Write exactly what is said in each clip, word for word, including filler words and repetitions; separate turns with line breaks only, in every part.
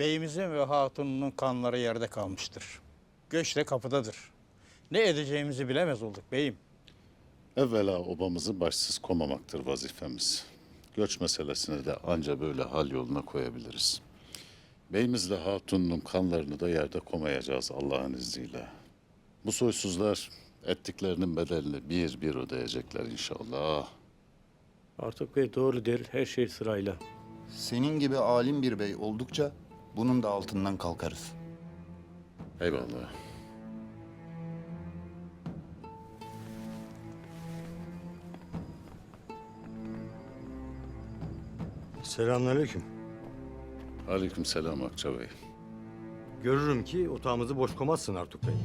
Beyimizin ve hatununun kanları yerde kalmıştır. Göç de kapıdadır. Ne edeceğimizi bilemez olduk beyim.
Evvela obamızı başsız komamaktır vazifemiz. Göç meselesini de anca böyle hal yoluna koyabiliriz. Beyimizle hatunun kanlarını da yerde komayacağız Allah'ın izniyle. Bu soysuzlar ettiklerinin bedelini bir bir ödeyecekler inşallah.
Artık Bey doğru der, her şey sırayla.
Senin gibi alim bir bey oldukça bunun da altından kalkarız.
Eyvallah.
Selamünaleyküm.
Aleykümselam Akça Bey.
Görürüm ki otağımızı boş koymazsın Artuk Bey.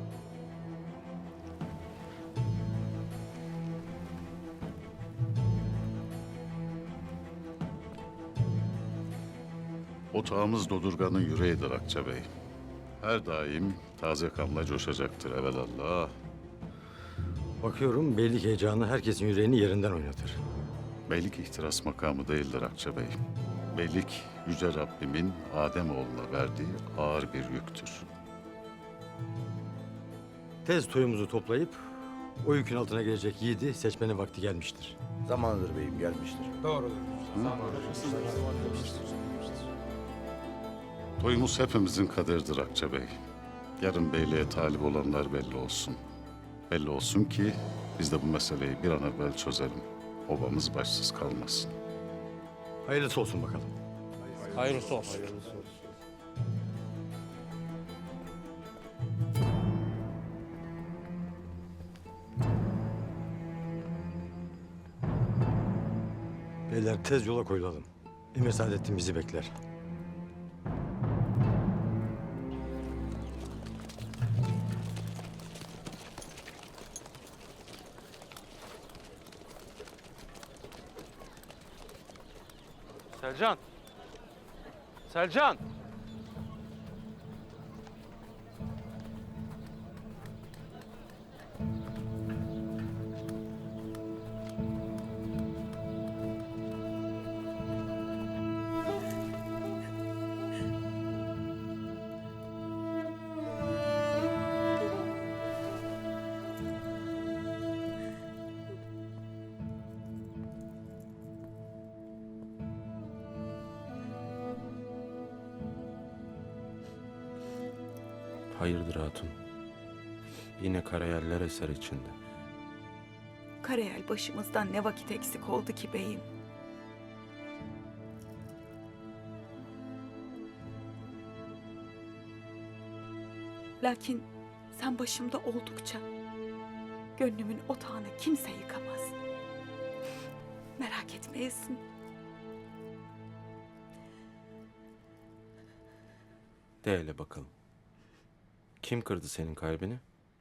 Otağımız Dodurgan'ın yüreğidir Akça Bey. Her daim taze kanla coşacaktır evelallah.
Bakıyorum beylik heyecanı herkesin yüreğini yerinden oynatır.
Beylik ihtiras makamı değildir Akça Bey. Beylik Yüce Rabbimin Ademoğluna verdiği ağır bir yüktür.
Tez toyumuzu toplayıp o yükün altına gelecek yiğidi seçmenin vakti gelmiştir.
Zamanıdır beyim, gelmiştir.
Toyumuz hepimizin kaderidir Akça Bey. Yarın beyliğe talip olanlar belli olsun. Belli olsun ki biz de bu meseleyi bir an evvel çözelim. Obamız başsız kalmasın.
Hayırlısı olsun bakalım.
Hayırlısı olsun.
Beyler tez yola koyulalım. Emir Saadettin bizi bekler.
Selcan! Selcan!
Hayırdır hatun? Yine karayeller eser içinde.
Karayel başımızdan ne vakit eksik oldu ki beyim? Lakin sen başımda oldukça gönlümün otağını kimse yıkamaz. Merak etmeyesin.
De hele bakalım. Kim kırdı senin kalbini?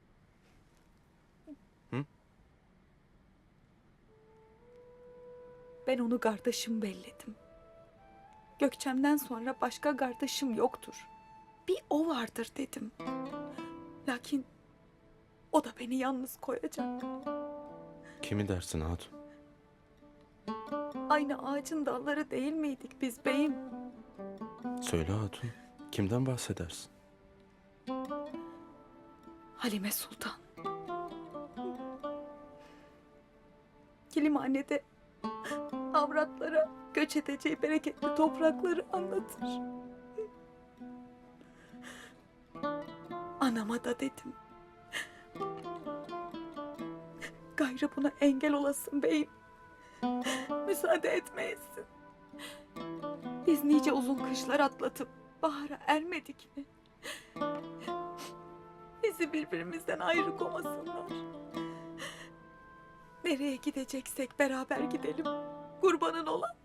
Hı?
Ben onu kardeşim belledim. Gökçem'den sonra başka kardeşim yoktur. Bir o vardır dedim. Lakin o da beni yalnız koyacak.
Kimi dersin hatun?
Aynı ağacın dalları değil miydik biz beyim?
Söyle hatun. Kimden bahsedersin?
Halime Sultan. Kilimhanede avratlara göç edeceği bereketli toprakları anlatır. Anama da dedim. Gayrı buna engel olasın beyim. Müsaade etmeyesin. Biz nice uzun kışlar atlatıp bahara ermedik mi? Bizi birbirimizden ayrı komasınlar. Nereye gideceksek beraber gidelim. Kurbanın olan